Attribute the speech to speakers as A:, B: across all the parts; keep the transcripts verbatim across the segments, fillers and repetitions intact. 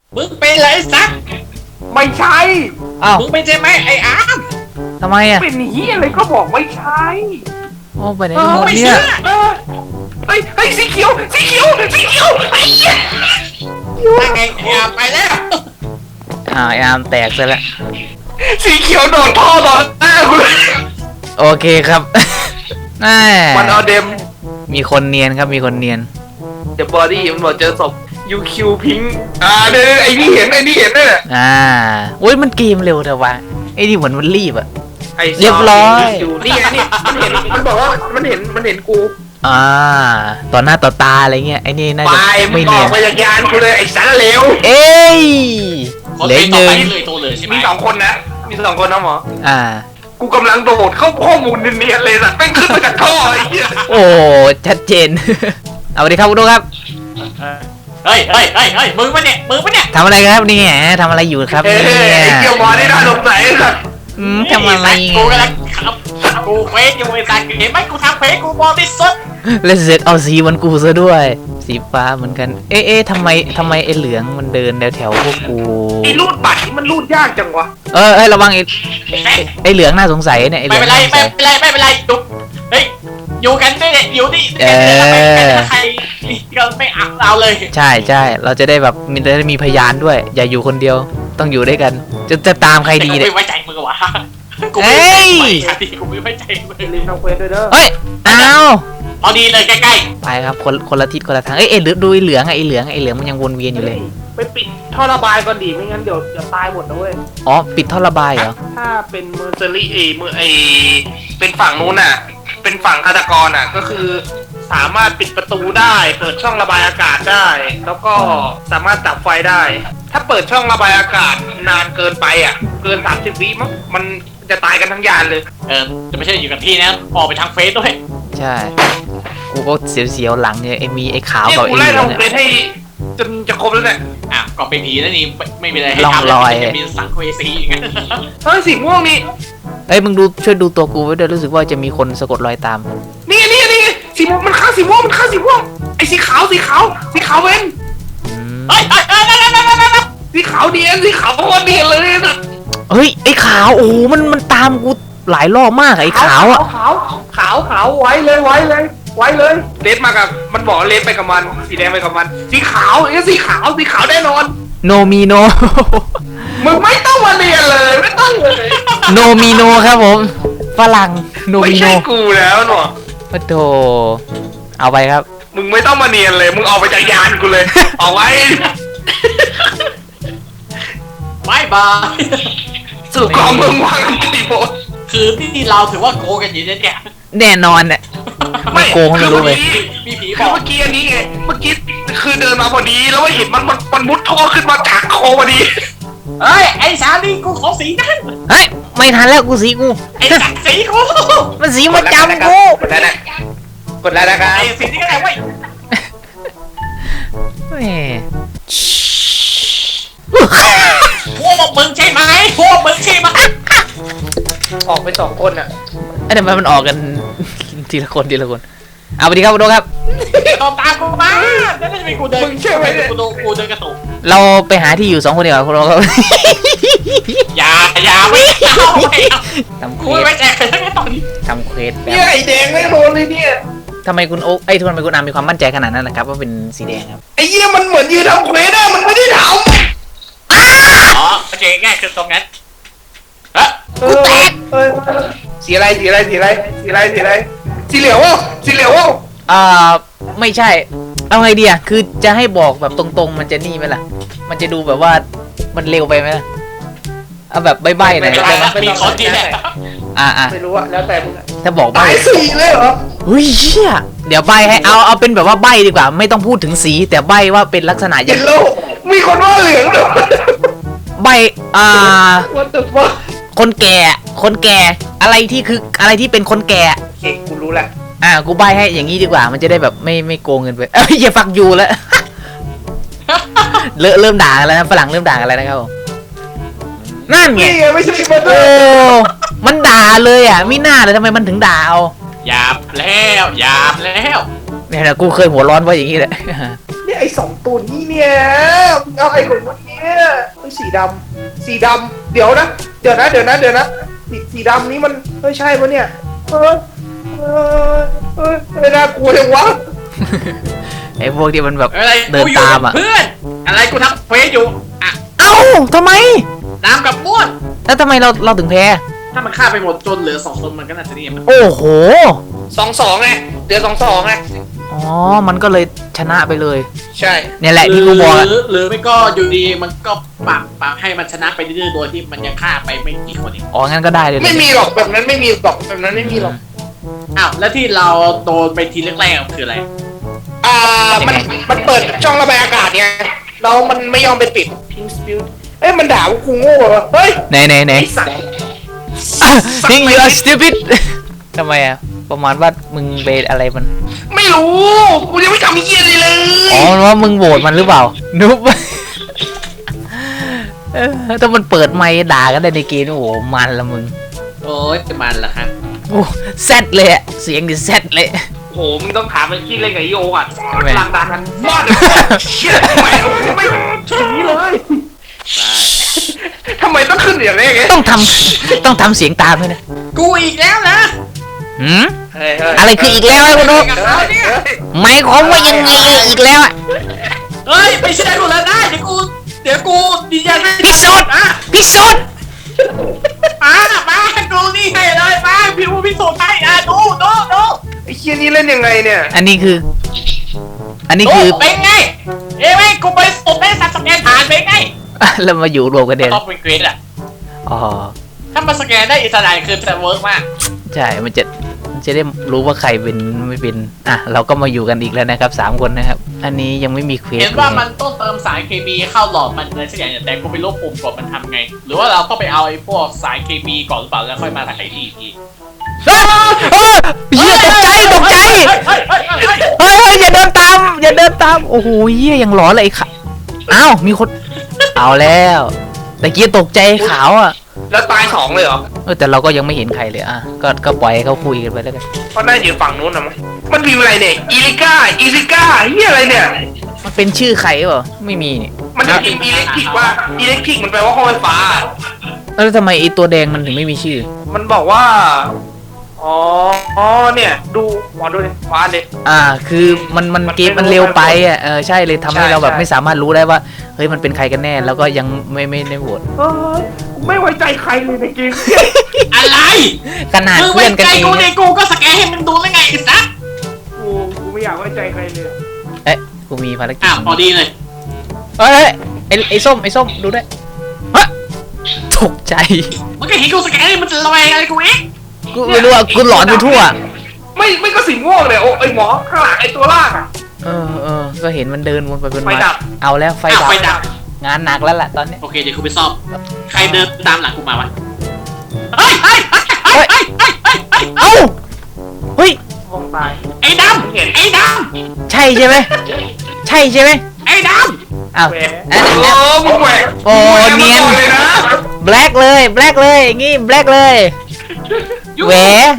A: มึงเป็นไรสัก
B: ไม่ใช่
C: อ้าว
A: มึงเป็นใช่ไหมไอ้อาร์ม
C: ทำไมอ่ะ
B: เป็นเฮียอะไรก็บอกไม่ใช่
C: โอ้ไปไหน
B: เอ
C: กัน
B: อ
C: หมด
A: ไม่
C: เนี่
A: เชื่
C: ย
A: อ
B: เออเฮ้ยเฮ้ยสีเขียวสีเขียวสีเขียวไอ้เหี้ย
A: นั่นไงไอ้อาร์มไปแล้ว
C: อ่าไอ้อาร์มแตกซะแล้ว
B: สีเขียวโดนท่อต่อหน้ากูเลย
C: โอเคครับ แม่
B: มันเอาเดม
C: มีคนเนียนครับมีคนเนียน
B: เดอะบอดี้มันบอกเจอศพยูคิวพิงอ่าเดี๋ยวไอ้นี่เห็นไอ้นี่เห็นด้วย
C: อ่าโอ้ยมันเกมเร็วแต่ว่าไอ้นี่เหมือนมันรีบอ่ะ
B: ไอ้
C: เรียบร้อย
B: อยู่นี่ไงนี่มันเห็นมันบอกว่ามันเห็นมันเห็นกู
C: อ่าต่อหน้าต่อตาอะไรเงี้ยไอ้นี่น่า
B: ไป
C: จะ
B: มึ
C: ไม่
B: งอ
C: เนี
B: อย ก
C: น
B: มาจากยานกูเลยไอ้สารเลว
C: เอ้ย
A: คน
C: เหลือ
A: ที่
C: อีก
A: ต่
C: ห
A: อ
C: นึ่ง
A: ไปเลยตัวเลยใช่ไหม
B: มีสองคนนะมีสองคนนะหมอ
C: อ่า
B: กูกำลังโดดเข้าข้อมูลเนียนๆเลยสัตว์แม่งขึ้นมาจากท่อไอ้เหี้ย
C: โอ้ชัดเจน เอาสวัสดีครับคุณดูครับ
A: เฮ้ยเฮ้ยเฮ้ยเฮ้ยมึงปะเนี่ยมึงปะเนี่ย
C: ทำอะไรครับเนี่ยทำอะไรอยู่ครับ
B: เอ้
C: เนี่ย
B: ยไอ้เกี่ยวหมอนี่น่าสงสัยสัตว์
C: อืมทำอะไร
A: กูกำลังขับกูเฟซอยู่ไอ้สัตว์เห็นไหมกูทำเฟซกูบอดี้สุด
C: แล้วเสร็จเอาสีเหมันกูซะด้วย สีฟ้าเหมือนกัน เอ๊ะเอ๊ะทำไมทำไมไอ้เหลืองมันเดินแถวแถวๆพวกกู
B: ไอ้รูดบัตรนี่มันรูดยากจังวะ
C: เออเอ้ยระวังไอ้ไอ้ไอ้เหลืองน่าสงสัยเนี่ยไอ้เห
A: ไม่
C: ลือง
A: เป็นไร
C: น่าสง
A: ไม่
C: สัย
A: เป็นไรไม่เป็นไรดุเฮ้ยอยู่กันได้เนี่ยอยู่นี่
C: เออ
A: ใครก็ไม่เอาเราเลย
C: ใช่ใช่เราจะได้แบบมีจะได้มีพยานด้วย อย่าอยู่คนเดียวต้องอยู่ด้วยกัน จะจะตามใครดี
A: แต่กู
C: เนี่ย
A: ไม่ไว้ใจมึงวะกู
C: เอ้
A: ไม่ไว้
C: ย
A: ใจกูไม่ไว้ใจมึง
B: ลืมทำเควสด้วยเด้อ
C: เฮ้ยอ้าว
A: พอดีเลยใกล้
C: ไปครับคนคนละทิศคนละทางเอ้ยเอ้ยดูดูไอ้เหลืองอะไอ้เหลืองไอ้เหลืองมันยังวนเวียนอยู่เลย
B: ไปปิดท่อระบายก่อนดิไม่งั้นเดี๋ยวเดี๋ยวตายหมดนะเว้ย
C: อ๋อปิดท่อระบายเหรอ
B: ถ้าเป็นเมอร์เซอรี่เอเมอร์ไอเป็นฝั่งนู้นน่ะ เป็นฝั่งฆาตกรน่ะ ก็คือสามารถปิดประตูได้ เปิดช่องระบายอากาศได้ แล้วก็สามารถดับไฟได้ ถ้าเปิดช่องระบายอากาศนานเกินไปอ่ะ เกินสามสิบวิมั้งมันจะตายกันทั้งยานเลย
A: ๆเออจะไม่ใช่อยู่กับที่นะออกไปทางเฟซด้วย
C: ใช่กูก็เสียวๆหลังเนี่ยไอ้มีไอ้ขาว
B: เนี่ย
C: กับ
B: กู
C: ไอ้
B: ไล่
C: เหลือง
B: ทำเคว
C: เนี่ย
B: สให้จนจะครบแล้วเนี่ย
A: อ่ะก็เป็นผีแล้วนี่ไม่ไม่มีอะไรให้
C: ร่อง
A: ทำ
C: รอย
A: จะมีสังเวสีอย่างนั้น
B: เฮ้ยสีม่วงนี่
C: เอ้ยมึงดูช่วยดูตัวกูไว้ด้วยรู้สึกว่าจะมีคนสะกดรอยตาม
B: นี่นี่นี่สีม่วงมันฆ่าสีม่วงมันฆ่าสีม่วงไอ้สีขาวสีขาวสีขาวเว้น
C: อืม
A: เฮ้ยเฮ้ยเฮ้ยเฮ้ยเฮ้ยเฮ้ยเฮ้ย
B: สีขาวเดียนสีขาวโคตรเดียนเลยนะ
C: เฮ้ยไอ้ขาวโอ้โหมันมันตามกูหลายรอบมากอะไอ้ขาวอะ
B: ขาวขาวขาวไว้เลยไว้เลยไว้เลยเลสมากับมันบอกเลสไปกับมันสีแดงไปกับมัน สีขาวไอ้สีขาวสีขาวแน่นอน
C: โนมีโน
B: มึงไม่ต้องมาเรียนเลยไม่ต้องเลย
C: โนมีโนครับผมฝรั่งโน
B: ไม่
C: มีโน
B: ใช่กูแล้วหนอ
C: ปะโถเอาไปครับ
B: มึงไม่ต้องมาเนียนเลยมึงออกไปจากยานกูเลยออกไว้
A: บายบาย
B: สู่กองมึงวางกี่โมง
A: คือที่เราถือว่าโกกันอยู่เนี่ย
C: แน่นอนเนี่ยไม่โกงไม่รู้เลย
A: มีผีบ
B: คือ
A: อก
B: เมื่อกี้อันนี้ไงเมื่อกี้คือเดินมาพอดีแล้วว่าเห็นมันมันมันมุดท่อขึ้นมาจากคอพอดี
A: เฮ้ยไอ้สาลีกูขอสีนั่น
C: เฮ้ยไม่ทันแล้วกูสีกู
A: ไอ้สักสีกู
C: มันสีมาจำกู
B: กดแล้วนะกดแล้วนะครับ
A: ไอ้สีนี่ก็ได้เว้ย
C: แหม
A: พวกมึงใช่ไหมพวกมึงใช่ไหม
B: ออกไปสองคนอ่ะ
C: ไอ้ทำไมมันออกกัน ทีละคนทีละคนเอาไปดีครับคุณโดครับ
A: ตามตามกูมาจะได้ไม่กูเดินกูโดนกูเดินกระตุก
C: เราไปหาที่อยู่สองคนดีกว่าคุณโดครับ
A: อย่าอย่าไม่เอาไม่เอา
C: ทำเคว
A: กู
C: ส
A: ไม่แจกเลยตอนนี้
C: ทำเควสแบ
B: เนี่ย
C: บ
B: ไอ้แดงไม่โดนเลยเนี่ย
C: ทำไมคุณโอ๊คไอ้ยทุกคนทำไมคุณอามมีความมั่นใจขนาดนั้นนะครับว่าเป็นสีแดงครับ
B: ไอ้เหี้ยมันเหมือนยืนทำเควสอะมันไม่ได้ท
A: อ๋อโอเคง่ายคือตรงนั้นเฮ้ย
B: ำกูแตกเออสีอะไรสีอะไรสีอะไรสีอะไรสีอะไรสีเหลืองวะสีเหลืองวะ
C: อ่าไม่ใช่เอาไงดีอ่ะคือจะให้บอกแบบตรงๆ มันจะนี่ไหมล่ะ มันจะดูแบบว่ามันเร็วไปไหมล่ะเอาแบบใบ้ๆหน่อย
A: ไม่
C: ได้
A: ได้
C: ไหม
A: นะมีคอนที่แหละ
C: อ่าอ่า
B: ไม่รู้อะแล้วแต่มึงอะ
C: ถ้าบอกใบ้
B: ตายสีเลยเหรอ
C: เฮ้ยเชี่ยเดี๋ยวใบ้ให้เอาเอาเป็นแบบว่าใบ้ดีกว่า ไม่ต้องพูดถึงสี แต่ใบ้ว่าเป็นลักษณะอ
B: เย็
C: ย่าง
B: นโลมีคนว่าเหลืองเหรอ
C: ใบ้อ่า
B: What the fuck
C: คนแก่ คนแก่ อะไรที่คืออะไรที่เป็นคนแก่
B: โอเคกูรู้แหละ
C: อ่ากูใบ้ให้อย่างนี้ดีกว่า มันจะได้แบบไม่ไม่โกงเงินไปเอ้ยอย่าฟักยูแล้ว เริ่มเริ่มด่ากันแล้วนะฝรั่งเริ่มด่ากันแล้วนะครับผมนั่นไง
B: นี่ไงไม่ใช่มาเตอ
C: โอ้
B: ร์
C: มันด่าเลยอ่ะไม่น่าเลยทำไมมันถึงด่าเอา
A: หยาบแล้วหยาบแล้ว
C: เนี่ยนะกูเคยหัวร้อนเพราะอย่างนี้แหละ
B: เนี่ยไอ้สองตัวนี้เนี่ยเอาไอ้ของมันเนี่ยเฮ้ยสีดำสีดำเดี๋ยวนะเดี๋ยวนะเดี๋ยวนะเดี๋ยวนะสีสีดำนี้มันเฮ้ยใช่ปะเนี่ยเฮ้ยเฮ้ยเฮ้ยไม่น่ากลัวเลยวะ
C: ไอ้พวกที่มันแบบ
A: อะไร
C: เดิน
A: กูอยู่
C: ตาม
A: กับ
C: อ่ะ
A: เพื่อนอะไรกูทำเฟซอยู่อ่ะ
C: เอ้าทำไม
A: น้ำกับม่วน
C: แล้วทำไมเราเราถึงแพ้
A: ถ้ามันฆ่าไปหมดจนเหลือสองคนมันก็น่าจะนี่มัน
C: โอ้โห
B: สองสองไงเดือนสองสองไง
C: อ๋อมันก็เลยชนะไปเลย
B: ใช่
C: เนี่ยแหละที่กูบอก
A: ห
C: อะ
A: รือหรือไม่ก็อยู่ดีมันก็ปรับปรับให้มันชนะไปเรื่อยๆโดยที่มันยังฆ่าไปไม่กี่คนเอง
C: อ๋องั้นก็ได้เลย
B: ไม่มีหรอกแบบนั้นไม่มีหรอกแบบนั้นไม่มีหรอก
A: อ้าวแล้วที่เราโดนไปทีแรกๆคืออะไร
B: อ่ามันมันเปิดช่องระบายอากาศไงแล้วมันไม่ยอมไปปิดพิงสปิวเอ้ยมันด่าว่ากูโง่เหรอเฮ้ย
C: ไหนไหนไหน
B: ไอ้สัตว์
C: Think you are stupid ทำไมอ่ะประมาณว่ามึงเบสอะไรมัน
B: ไม่รู้กูยังไม่ทำเยี่ยอะไรเลย
C: อ๋อว่ามึงโหวตมันหรือเปล่า นุ๊บ เออถ้ามันเปิดไมค์ด่ากันได้ในเกมนี่โอ้โหมันละมึง
A: โอ้ยมันละครับ
C: โอ้แซดเลยอะเสียงดิแซดเลย
B: โอ้โหมึงต้องถามไอ้ที่เล่นกับไอโอก่อน
C: ทำไม
B: หลังด่ากันยอดเชี่ยทำไมไม่ถึงนี้เลยทำไมต้องขึ้นอย่างนี้ไง
C: ต้องทำต้องทำเสียงตามด้วยนะ
A: กูอีกแล้วนะ
C: หืม
B: เฮ้ยเฮ้ย
C: อะไรคืออีกแล้วไอ้คุณนุ๊ก
A: กับเขาเนี่ย
C: หมายความว่ายังไงอีกแล้วอะ
A: เฮ้ยไม่ใช่กูแล้วได้เดี๋ยวกูเดี๋ยวกูดีใจไม่
C: พิสูจน์
A: อ่ะ
C: พิสูจน์
A: มามาดูนี่ให้เลยมาพี่ผู้พิสูจน์ให้อ่ะดูดูดู
B: ไอ้เชี่ยนี่เล่นยังไงเนี่ย
C: อันนี้คือ อันนี้
A: ดู
C: คือ
A: เป็นไงเอ้ยไม่กูไปสุดได้สักสแกนผ่านเป็นไง
C: แล้วมาอยู่รวมกันเด่น
A: ต้องเป็นเกรดอ่ะ
C: อ๋อ
A: ถ้ามาสแกนได้อิสระคือจะเวิร์กมาก
C: ใช่ มันจะมันจะได้รู้ว่าใครเป็นไม่เป็น อ่ะ เราก็มาอยู่กันอีกแล้วนะครับสามคนนะครับ อันนี้ยังไม่มีเควส
A: เห็นว่ามันต้องเติมสารเคมีเข้าหลอดมันอะไรสักอย่างแต่กูไม่รู้ปุ่มกดมันทำไง หรือว่าเราก็ไปเอาไอ้พวกสารเคมีก่อนหรือเปล่าแล้วค่อยมาถ่ายทีอีกที
C: เฮ้ยเฮ้ยเฮียตกใจตกใจ
A: เฮ้ยเฮ้ยเฮ้ยเฮ้ย
C: เฮ้ยเฮ้ยอย่าเดินตาม อย่าเดินตาม โอ้โหเฮียยังหลอนเลยไอ้ขาอ้าว มีคน เอาแล้วแต่กี้ตกใจขาวอ่ะ
B: แล้วตายสองเลยเหรอ
C: เออแต่เราก็ยังไม่เห็นใครเลยอ่ะ ก็ก็ปล่อยให้เขาคุยกันไปแล้วกัน
B: เพราะน่าอยู่ฝั่งนู้นนะมั้งมันมีอะไรเนี่ยอีลิก้าอีลิก้าเฮียอะไรเนี่ย
C: มันเป็นชื่อใครเปล่าไม่มีนี่
B: มันจะพิมพ์อิเล็กทริกว่าอิเล็กทริกมันแปลว่าห้องไฟฟ้า
C: แล้วทำไมไอ้ตัวแดงมันถึงไม่มีชื่อ
B: มันบอกว่า อ๋อ อ๋อ เนี่ย ดูหมอดูดิฟ้าดิ
C: อ่า คือมันมัน
B: มัน
C: เกม
B: ไม่
C: มัน
B: รู้
C: เร็วไป
B: ว่า
C: อ่ะ เออใช่เลยทำให้
B: ใช่
C: เราแบบ
B: ใช่
C: ไม่สามารถรู้ได้ว่า เฮ้ยมันเป็นใครกันแน่ แล้วก็ยังไม่ไม่ได้โหวต
B: เฮ้ยกูไม่ไว้ใจใครเลยในเกม
A: อะไร
C: ขนาด
A: มึง
C: เพื่
A: ไว้
C: อนกัน
A: ใจ
C: เอง
A: กูใน
C: เนี่ย
A: กูก็สแกนให้มันดูแล้วไงไอ้สัส
B: กูกูไม่อยากไว้ใจใครเลย
C: เอ๊ะกูมีภารกิจ
A: อ้าวพอดีเลย
C: เอ้ยไอ้ไอ้ส้มไอ้ส้มดูด้วยฮะตกใจ
A: มันก็เห็นกูสแกนให้มันจะระแวงอะไรกูเอง
C: กูไม่รู้อ่ะกูหลอนไปทั่ว
B: ไม่ไม่ก็สีม่วงเลยโอ้ไอหมอข้างหลังไอตัวล่างอะ
C: เออเออก็เห็นมันเดินวนไปวน
B: ไฟ
C: มา
B: ดับ
C: เอาแล้วไฟ
A: อ้าว
C: ดับ
A: ไฟดับ
C: งานหนักแล้วล่ะตอนนี้
A: โอเคเดี๋ยวกูไปซ่อมใครเดินตามหลังกูมาวะเฮ้ยเฮ้ยเฮ้ยเฮ้ยเฮ้ยเฮ้ยเฮ้ย
C: เอ้าเฮ้ย
B: ห้องตาย
A: ไอ้ดำไอ้ด
C: ใช่ใช่ไหมใช่ใช่ไหม
A: ำไอ้ด
C: อ้าว
B: แหว
C: อัน
B: โอ้
C: นี้
B: มึงแหวก
C: โอ้
B: มึงแหวก
C: เนียน
B: มาก่อเลยนะ
C: แบล็กเลยแบล็กเลยงี้แบล็กเลย
A: ำ
C: แหว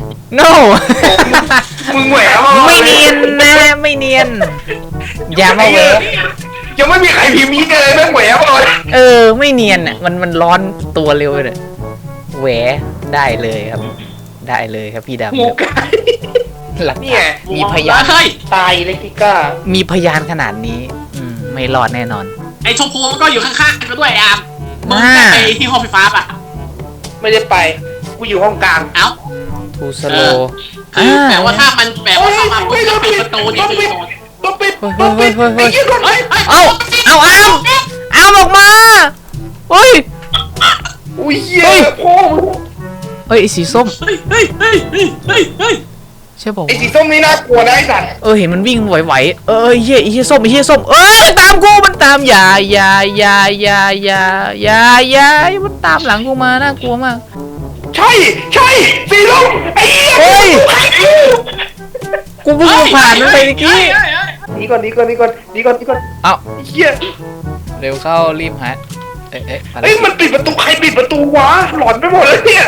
C: no
B: มึงแหวกมาก่อ
C: ไม่
B: ล
C: เนียนนะไม่เนียน อย่ามาแหว
B: ยังไม่มีใครพิมพ์นี้เลยแม่งแหวกมาเลย
C: เออไม่เนียนอ่ะมันมันร้อนตัวเร็วเลยแหวได้เลยครับ ได้เลยครับพี่ดำ
B: หมูไก่
C: หลัก
B: นี่ไง
C: มีพยาน
A: เฮ้ย
B: ตายอิเล็กทริก้า
C: มีพยานขนาดนี้ อืมไม่รอดแน่นอน
A: ไอ้ชมพูมันก็อยู่ข้างๆกันด้วยไอ้อามมึง
C: อ่า
A: จะไปที่ห้องไฟฟ้าป่ะ
B: ไม่ได้ไปกูอยู่ห้องกลาง
A: เอ้า
C: ทูสโล
A: คือแปลว่าถ้ามันแปลว่าถ้ามันปิดประตูนี่คือโดน
B: ต้องปิดต้องปิดไอ้ยี่คน
A: เฮ้ยเฮ้ย
C: เอาเอาอามอามออกมาเฮ้ย
B: อุ้ยเหี้ยพ่อมึง
C: เฮ้ยไอ้สีส้ม
A: เฮ้ยเฮ้ยเฮ้ยเฮ้ยเฮ้ยเฮ้ย
C: ใช่บอก
B: ไอ้สีส้มนี่น่ากลัวนะไอ้สัตว์
C: เออเห็นมันวิ่งไหวๆเออเฮียไอ้เฮียส้มไอ้เฮียส้มเอ้ยมันตามกูมันตามอย่าอย่าอย่าอย่าอย่าอย่าอย่ามันตามหลังกูมาน่ากลัวมาก
B: ใช่ใช่สีส้มไอ้เหี้ย
C: เฮ้ย กูเพิ่งมาผ่านมันไปเมื่อกี้
B: หนีก่อนหนีก่อนหนีก่อนหนีก่อนหนีก่อน
C: เอา
B: ไอ้เหี้ย
C: เร็วเข้ารีบหาเอ๊ะเอ๊ะอะไร
B: เอ้ยมันปิดประตูใครปิดประตูวะหลอนไปหมดเลยเนี่ย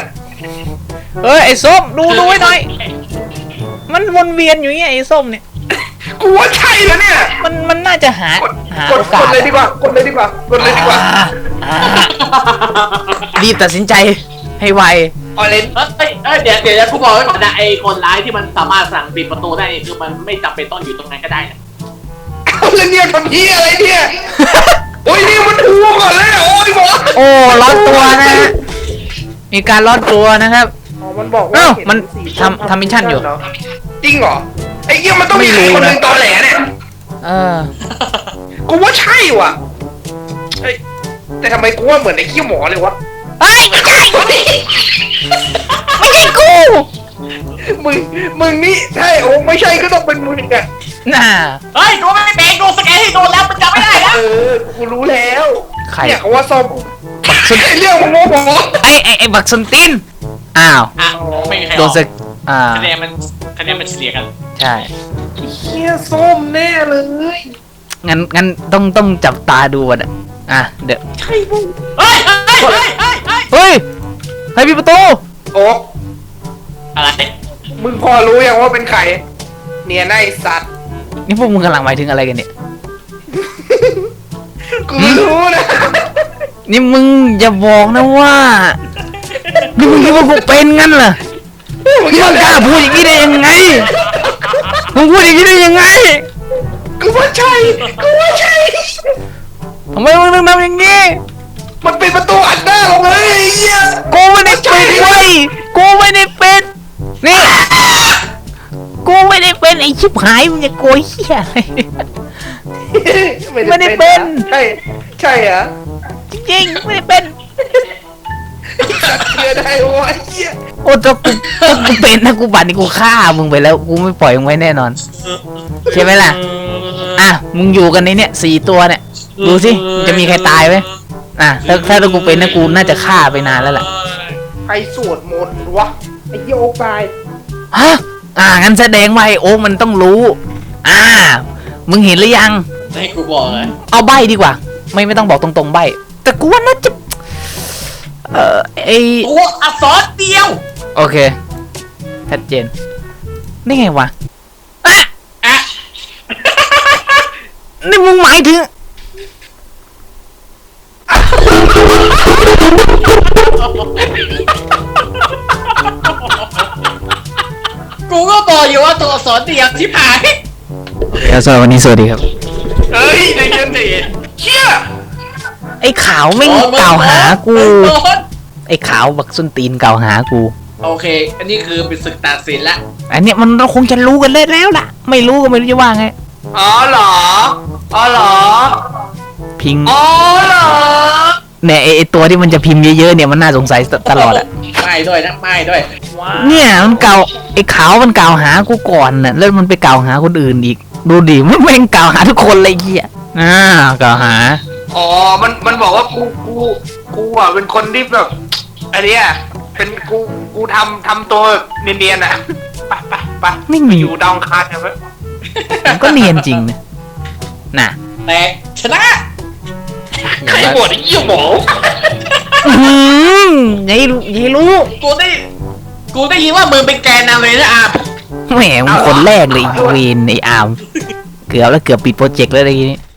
C: เฮ้ยไอ้ส้มดูดูไว้หน่อย มันวนเวียนอยู่อย่างเงี้ยไอ้ส้มเนี่ย
B: กูว่าใช่แล้วเนี่ย
C: มันมันน่าจะหาก
B: ด
C: หาก
B: ด
C: โอกาก ส
B: ดเลยดีกว่ากดเลยดีกว่ากดเลยดีกว่า
C: อ่าอ่ารีบตัดสินใจให้ไว
B: ออเรน
A: เอ้ยเอ้ยเดี๋ยวเดี๋ยวกูบอกไว้ก่อนนะไอ้คนร้ายที่มันสามารถสั่งปิดประตูได้นี่คือมันไม่จำเป็นต้องอยู่ตรงนั้นก็ได้นะ
B: เอาแล้วเนี่ยทำเหี้ยอะไรเนี่ยโอ้ยนี่มันถูก่อนแล้วโอ้ยหมอ
C: โอ้ร้อนตัวนะฮะมีการร้อนตัวนะครับ
B: อ๋อมันบอกว่า
C: เอ้า
B: เห็
C: มัน
B: สี
C: ทำทำมิชชั่นอยู่
B: เหรจริงเหรอไอ้เหี้ยมันต้องมี
C: ไม่
B: ใคร
C: รู้
B: คนห
C: นะ
B: นึ่งตอแหลเนี่ย
C: เออ
B: กูว่าใช่ว่ะเอ้ยแต่ทำไมกูว่าเหมือนไอ้ขี้หมอเลยวะ
C: เฮ้ยไม่ใช่ไม่ใช่กู
B: มึงมึงนี่ใช่โอ้ไม่ใช่ก็ต้องเป็นมึงอ่ะ
C: น่า
A: เฮ้ยกูไม่เป็นกูสแกนให้โดนแล้วมันจำไม่ได้แล้ว
B: เออกูรู้แล้ว
C: ใคร
B: เนี่ยเขาว่าส้ม
C: บักซุน
B: ไอ้เรื่องของโมโห
C: ไอ้ไอ้ไอ้บักซุนตินอ้าว
A: อ่ะไม่มีใคร
C: โด
A: อน อก
C: สึกอ่า
A: คะแนนมันคะแนนมันเฉลี่ยกัน
C: ใช่
B: เฮียส้มแน่เลย
C: งั้นงั้นต้องต้องจับตาดูอ่ะอ่ะเดี๋ยว
B: ใช่มึง
A: เฮ้ยเฮ้ยเฮ้ยเฮ้ยเฮ้ย
C: เฮ้ยใครปิดประตู
B: โอ๊ก
A: อะไร
B: มึงพอรู้ยังว่าเป็นใครเนี่ยนายสัตว์
C: นี่พวกมึงกำลังหมายถึงอะไรกันเนี่ย
B: กูรู้นะ
C: นี่มึงอย่าบอกนะว่านี่มึงคิดว่ากูเป็นงั้นเหรอนี่มึงกล้าพูดอย่างนี้ได้ยังไงมึงพูดอย่างนี้ได้ยังไง
B: กูว่าใช่กูว่าใช่
C: ทำไมมึงต้องทำอย่างนี้
B: มันเป็นประตูอัดหน้าเราเลยไอ้เหี้ย
C: กูไม่ได้เป็นเว้ยกูไม่ได้เป็นนี่กูไม่ได้เป็นไอ้ชิบหายมึงจะโกยเหี้ยอะไร ไม่ได้เป็น
B: ใช่ใช่เหรอ
C: จริงๆไม่ได้เป็น
B: สัตว์เชื่อได้วะไอ้เหี้ย
C: โอ้ถ้ากูถ้ากูเป็นนะกูบัตรนี่กูฆ่ามึงไปแล้วกูไม่ปล่อยมึงไว้แน่นอนใช่ไหมล่ะอ่ะมึงอยู่กันในเนี่ยสี่ตัวเนี่ยดูสิจะมีใครตายไหมอ่ะถ้าถ้ากูเป็นนะกูน่าจะฆ่าไปนานแล้วล่ะ
B: ใครสวดมนต์วะไอ้เหี้ยโอ๊กตาย
C: ฮะอ่างั้นแสดงว่าไอ้โอ๊คมันต้องรู้ อ่า มึงเห็นหรือยัง
A: ให้กูบอกเลย
C: เอาใบดีกว่า ไม่ไม่ต้องบอกตรงๆใบแต่กูว่าน่าจะเอ่อไอ
A: ตัวอักษรเดียว
C: โอเคชัดเจนนี่ไงวะอ่ะ
A: อ่ะ
C: นี่มึงหมายถึง
A: กูก็บอกอยู่ว่าตัวอักษรเดียวที่ผ่าน
C: สวัสดีวันนี้สวัสดีครับ
B: เฮ้ยใจเย็นดิเชี่ย
C: ไอ้ขาวไม่งกล่าวหากู ไอ้ขาวบักส้นตีนกล่าวหากู
A: โอเค อันนี้คือเป็นศึกตัดสินละ
C: อันเนี้ยมันเราคงจะรู้กันเลยแล้วล่ะ ไม่รู้ก็ไม่รู้จะว่าไง
B: อ๋อเหรออ๋อเหรอ
C: พิง
B: อ๋อเหรอ
C: เนี่ยไอ้ไอ้ตัวที่มันจะพิมพ์เยอะๆเนี่ยมันน่าสงสัยตลอดอะ
A: ไม่ด้วยนะไม่ด้วย
C: เนี่ยมันเก่าไอ้ขาวมันกล่าวหากูก่อนน่ะแล้วมันไปกล่าวหาคนอื่นอีก ดูดิมันแม่งกล่าวหาทุกคนเลยไอ้เหี้ยอ่ากล่าวหา
B: อ๋อมันมันบอกว่ากูกูกูอ่ะเป็นคนที่แบบอันเนี้ยเป็นกูกูทำทำตัวเนียนๆอ่ะไปไปไป
C: ไม่มี
B: อยู่ดาวอังคารกันไหม
C: มันก็เนียนจริงนะน่ะ
A: แต่ชนะ
B: ใครบวชไอ้เหี้ยหมอ
C: อื้อหืออย่าให้รู้อย่าให้รู้
A: กูได้ กูได้ยินว่ามึงเป็นแกนนำเลยนะอาร์ม
C: แหมมึงคนแรกเลยไอ้เวนไอ้อามเกือบแล้วเกือบปิดโปรเจกต์แล้วอะไรอย่างงี้